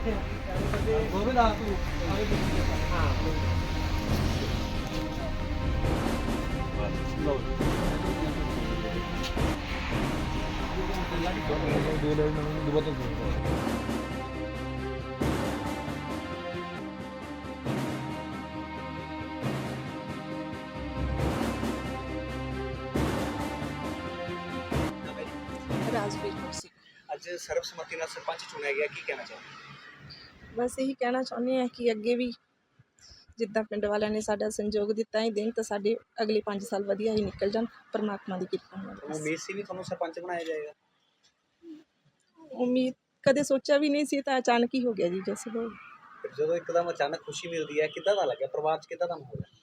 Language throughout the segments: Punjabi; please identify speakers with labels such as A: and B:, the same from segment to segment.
A: ਰਾਜਵੀਰ ਕੌਰ ਸਿੰਘ।
B: ਅੱਜ ਸਰਬਸੰਮਤੀ ਨਾਲ ਸਰਪੰਚ ਚੁਣਿਆ ਗਿਆ, ਕੀ ਕਹਿਣਾ ਚਾਹੁੰਦੇ?
A: ਬਸ ਇਹੀ ਕਹਿਣਾ ਚਾਹੁੰਦੇ ਹਾਂ ਕਿ ਅੱਗੇ ਵੀ ਜਿੱਦਾਂ ਪਿੰਡ ਵਾਲਿਆਂ ਨੇ ਸਾਡਾ ਸੰਯੋਗ ਦਿੱਤਾ ਹੀ ਦੇਣ ਤਾਂ ਸਾਡੇ ਅਗਲੇ 5 ਸਾਲ ਵਧੀਆ ਹੀ ਨਿਕਲ ਜਾਣ, ਪਰਮਾਤਮਾ ਦੀ ਕਿਰਪਾ ਨਾਲ।
B: ਉਮੀਦ ਸੀ ਵੀ ਤੁਹਾਨੂੰ ਸਰਪੰਚ ਬਣਾਇਆ ਜਾਏਗਾ?
A: ਉਮੀਦ ਕਦੇ ਸੋਚਿਆ ਵੀ ਨਹੀਂ ਸੀ, ਤਾਂ ਅਚਾਨਕ ਹੀ ਹੋ ਗਿਆ ਜੀ। ਜੈਸੇ ਹੋ
B: ਫਿਰ ਜਦੋਂ ਇੱਕਦਮ ਅਚਾਨਕ ਖੁਸ਼ੀ ਮਿਲਦੀ ਹੈ, ਕਿੱਦਾਂ ਦਾ ਲੱਗਿਆ? ਪਰਿਵਾਰ 'ਚ ਕਿੱਦਾਂ ਦਾ ਮਾਹੌਲ ਹੈ?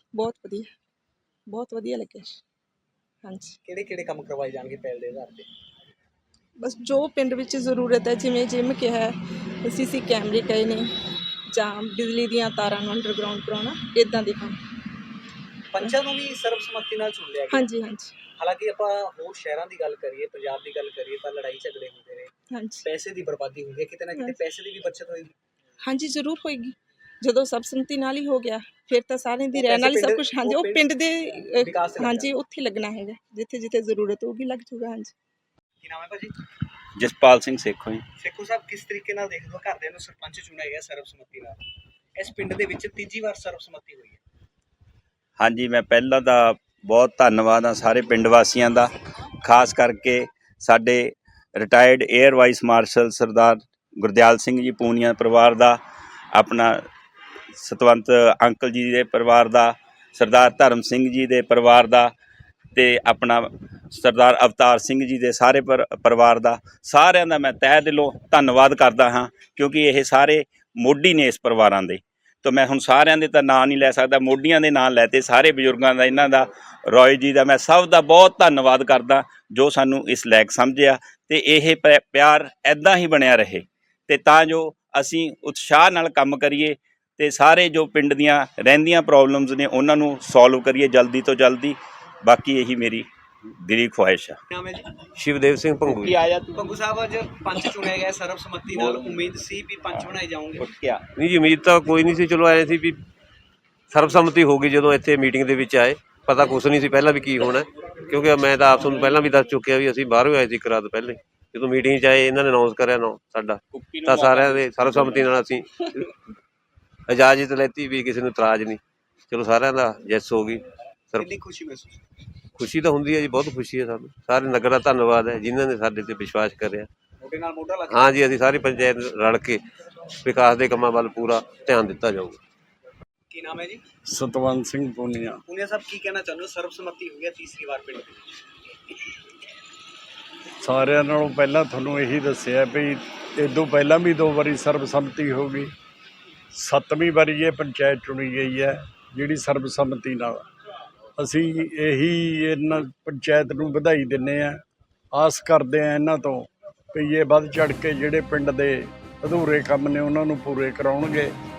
A: ਬਹੁਤ ਵਧੀਆ ਲੱਗਿਆ। ਹਾਂਜੀ,
B: ਕਿਹੜੇ ਕਿਹੜੇ ਕੰਮ ਕਰਵਾਏ ਜਾਣਗੇ ਪਹਿਲ ਦੇ ਆਧਾਰ 'ਤੇ?
A: ਬਸ ਜੋ ਪਿੰਡ ਵਿੱਚ ਜ਼ਰੂਰਤ ਹੈ, ਜਿਵੇਂ ਜਿਮ ਕਿਹਾ, CC ਕੈਮਰੇ ਕਹੇ ਨੇ, ਜਾਂ ਬਿਜਲੀ ਦੀਆਂ ਤਾਰਾਂ ਨੂੰ ਅੰਡਰਗਰਾਊਂਡ ਕਰਾਉਣਾ, ਇੱਦਾਂ ਦੇ ਕੰਮ।
B: ਪੰਚਾਂ ਨੂੰ ਵੀ ਸਰਬਸੰਮਤੀ ਨਾਲ ਚੁਣ ਲਿਆ ਗਿਆ?
A: ਹਾਂਜੀ ਹਾਂਜੀ
B: ਹਾਲਾਂਕਿ ਆਪਾਂ ਹੋਰ ਸ਼ਹਿਰਾਂ ਦੀ ਗੱਲ ਕਰੀਏ, ਪੰਜਾਬ ਦੀ ਗੱਲ ਕਰੀਏ ਤਾਂ ਲੜਾਈ ਝਗੜੇ ਹੁੰਦੇ ਨੇ,
A: ਹਾਂਜੀ
B: ਪੈਸੇ ਦੀ ਬਰਬਾਦੀ ਹੁੰਦੀ ਹੈ, ਕਿਤੇ ਨਾ ਕਿਤੇ ਪੈਸੇ ਦੀ ਵੀ ਬੱਚਤ ਹੋਏਗੀ।
A: ਹਾਂਜੀ, ਜ਼ਰੂਰ ਹੋਏਗੀ। ਜਦੋਂ ਸਰਬਸੰਮਤੀ ਨਾਲ ਹੀ ਹੋ ਗਿਆ ਫਿਰ ਤਾਂ ਸਾਰਿਆਂ ਦੀ ਰਹਿਣ ਵਾਲੀ ਸਭ ਕੁਝ। ਹਾਂਜੀ, ਉਹ ਪਿੰਡ ਦੇ ਹਾਂਜੀ ਉੱਥੇ ਲੱਗਣਾ ਹੈਗਾ, ਜਿੱਥੇ ਜਿੱਥੇ ਜ਼ਰੂਰਤ ਹੋਊਗੀ ਲੱਗ ਜੂਗਾ। ਹਾਂਜੀ।
B: ਕੀ ਨਾਮ ਹੈ ਭਾਜੀ?
C: ਜਸਪਾਲ ਸਿੰਘ ਸੇਖੋਂ ਜੀ।
B: ਸੇਖੋ ਸਾਹਿਬ, ਕਿਸ ਤਰੀਕੇ ਨਾਲ ਦੇਖਦੇ ਹੋ ਘਰਦਿਆਂ ਨੂੰ ਸਰਪੰਚ ਚੁਣਿਆ ਗਿਆ ਸਰਬਸੰਮਤੀ ਨਾਲ? ਇਸ ਪਿੰਡ ਦੇ ਵਿੱਚ ਤੀਜੀ ਵਾਰ ਸਰਬਸੰਮਤੀ ਹੋਈ ਹੈ।
C: ਹਾਂਜੀ, ਮੈਂ ਪਹਿਲਾਂ ਤਾਂ ਬਹੁਤ ਧੰਨਵਾਦ ਆ ਸਾਰੇ ਪਿੰਡ ਵਾਸੀਆਂ ਦਾ, ਖਾਸ ਕਰਕੇ ਸਾਡੇ retired air vice marshal Sardar Gurdial Singh ji Punia ਪਰਿਵਾਰ ਦਾ, ਆਪਣਾ ਸਤਵੰਤ ਅੰਕਲ ਜੀ ਦੇ ਪਰਿਵਾਰ ਦਾ, ਸਰਦਾਰ ਧਰਮ ਸਿੰਘ ਜੀ ਦੇ ਪਰਿਵਾਰ ਦਾ, ਅਤੇ ਆਪਣਾ ਸਰਦਾਰ ਅਵਤਾਰ ਸਿੰਘ ਜੀ ਦੇ ਸਾਰੇ ਪਰਿਵਾਰ ਦਾ, ਸਾਰਿਆਂ ਦਾ ਮੈਂ ਤਹਿ ਦਿਲੋਂ ਧੰਨਵਾਦ ਕਰਦਾ ਹਾਂ, ਕਿਉਂਕਿ ਇਹ ਸਾਰੇ ਮੋਢੀ ਨੇ ਇਸ ਪਰਿਵਾਰਾਂ ਦੇ। ਤਾਂ ਮੈਂ ਹੁਣ ਸਾਰਿਆਂ ਦੇ ਤਾਂ ਨਾਂ ਨਹੀਂ ਲੈ ਸਕਦਾ, ਮੋਢੀਆਂ ਦੇ ਨਾਂ ਲੈਤੇ, ਸਾਰੇ ਬਜ਼ੁਰਗਾਂ ਦਾ, ਇਹਨਾਂ ਦਾ, ਰੋਏ ਜੀ ਦਾ, ਮੈਂ ਸਭ ਦਾ ਬਹੁਤ ਧੰਨਵਾਦ ਕਰਦਾ ਜੋ ਸਾਨੂੰ ਇਸ ਲਾਇਕ ਸਮਝਿਆ। ਅਤੇ ਇਹ ਪਿਆਰ ਇੱਦਾਂ ਹੀ ਬਣਿਆ ਰਹੇ, ਅਤੇ ਤਾਂ ਜੋ ਅਸੀਂ ਉਤਸ਼ਾਹ ਨਾਲ ਕੰਮ ਕਰੀਏ ਅਤੇ ਸਾਰੇ ਜੋ ਪਿੰਡ ਦੀਆਂ ਰਹਿੰਦੀਆਂ ਪ੍ਰੋਬਲਮਸ ਨੇ ਉਹਨਾਂ ਨੂੰ ਸੋਲਵ ਕਰੀਏ ਜਲਦੀ ਤੋਂ ਜਲਦੀ। ਬਾਕੀ ਇਹੀ ਮੇਰੀ ਦਿਲੀ ਖੁਆਇਸ਼ ਆ।
B: ਨਾਮ ਹੈ ਜੀ?
D: ਸ਼ਿਵਦੇਵ ਸਿੰਘ ਭੰਗੂ।
B: ਭੰਗੂ ਸਾਹਿਬ, ਅੱਜ ਪੰਚ ਚੁਣਿਆ ਗਿਆ ਸਰਬਸੰਮਤੀ ਨਾਲ, ਉਮੀਦ ਸੀ ਵੀ ਪੰਚ ਬਣਾਏ ਜਾਓਗੇ?
D: ਨਹੀਂ ਜੀ, ਉਮੀਦ ਤਾਂ ਕੋਈ ਨਹੀਂ ਸੀ। ਚਲੋ ਆਏ ਸੀ ਵੀ ਸਰਬਸੰਮਤੀ ਹੋ ਗਈ। ਜਦੋਂ ਇੱਥੇ ਮੀਟਿੰਗ ਦੇ ਵਿੱਚ ਆਏ, ਪਤਾ ਕੁਛ ਨਹੀਂ ਸੀ ਪਹਿਲਾਂ ਵੀ ਕੀ ਹੋਣਾ, ਕਿਉਂਕਿ ਮੈਂ ਤਾਂ ਆਪ ਤੁਹਾਨੂੰ ਪਹਿਲਾਂ ਵੀ ਦੱਸ ਚੁੱਕਿਆ ਵੀ ਅਸੀਂ ਬਾਹਰੋਂ ਆਏ ਸੀ ਇੱਕ ਰਾਤ ਪਹਿਲੇ। ਜਦੋਂ ਮੀਟਿੰਗ 'ਚ ਆਏ, ਇਹਨਾਂ ਨੇ ਅਨਾਊਂਸ ਕਰਿਆ ਨਾ ਸਾਡਾ, ਤਾਂ ਸਾਰਿਆਂ ਦੇ ਸਰਬਸੰਮਤੀ ਨਾਲ ਅਸੀਂ ਇਜਾਜ਼ਤ ਲੈਤੀ ਵੀ ਕਿਸੇ ਨੂੰ ਇਤਰਾਜ਼ ਨਹੀਂ। ਚਲੋ ਸਾਰਿਆਂ ਦਾ ਯੈਸ ਹੋ ਗਈ।
B: ਕਿੰਨੀ ਖੁਸ਼ੀ ਮਹਿਸੂਸ?
D: ਖੁਸ਼ੀ ਤਾਂ ਹੁੰਦੀ ਹੈ ਜੀ, ਬਹੁਤ ਖੁਸ਼ੀ ਹੈ ਸਾਨੂੰ। ਸਾਰੇ ਨਗਰ ਦਾ ਧੰਨਵਾਦ ਹੈ ਜਿਨ੍ਹਾਂ ਨੇ ਸਾਡੇ 'ਤੇ ਵਿਸ਼ਵਾਸ ਕਰਿਆ।
B: ਮੋਢੇ ਨਾਲ ਮੋਢਾ ਲਾ ਕੇ?
D: ਹਾਂ ਜੀ, ਅਸੀਂ ਸਾਰੀ ਪੰਚਾਇਤ ਰਲ ਕੇ ਵਿਕਾਸ ਦੇ ਕੰਮਾਂ ਵੱਲ ਪੂਰਾ ਧਿਆਨ ਦਿੱਤਾ ਜਾਊਗਾ।
B: ਕੀ ਨਾਮ ਹੈ ਜੀ?
E: ਸਤਵੰਤ ਸਿੰਘ ਪੂਨੀਆ।
B: ਪੂਨੀਆ ਸਾਹਿਬ, ਕੀ ਕਹਿਣਾ ਚਾਹੁੰਦੇ ਹੋ? ਸਰਬਸੰਮਤੀ ਹੋਈ ਹੈ ਤੀਸਰੀ ਵਾਰ ਪਿੰਡ ਦੇ ਵਿੱਚ।
E: ਸਾਰਿਆਂ ਨਾਲੋਂ ਪਹਿਲਾਂ ਤੁਹਾਨੂੰ ਇਹੀ ਦੱਸਿਆ ਵੀ ਇਦੋਂ ਪਹਿਲਾਂ ਵੀ 2 ਵਾਰੀ ਸਰਬਸੰਮਤੀ ਹੋ ਗਈ, 7ਵੀਂ ਵਾਰੀ ਇਹ ਪੰਚਾਇਤ ਚੁਣੀ ਗਈ ਹੈ ਜਿਹੜੀ ਸਰਬਸੰਮਤੀ ਨਾਲ। ਅਸੀਂ ਇਹੀ ਇਹਨਾਂ ਪੰਚਾਇਤ ਨੂੰ ਵਧਾਈ ਦਿੰਦੇ ਹਾਂ, ਆਸ ਕਰਦੇ ਹਾਂ ਇਹਨਾਂ ਤੋਂ ਵੀ ਇਹ ਵੱਧ ਚੜ੍ਹ ਕੇ ਜਿਹੜੇ ਪਿੰਡ ਦੇ ਅਧੂਰੇ ਕੰਮ ਨੇ ਉਹਨਾਂ ਨੂੰ ਪੂਰੇ ਕਰਾਉਣਗੇ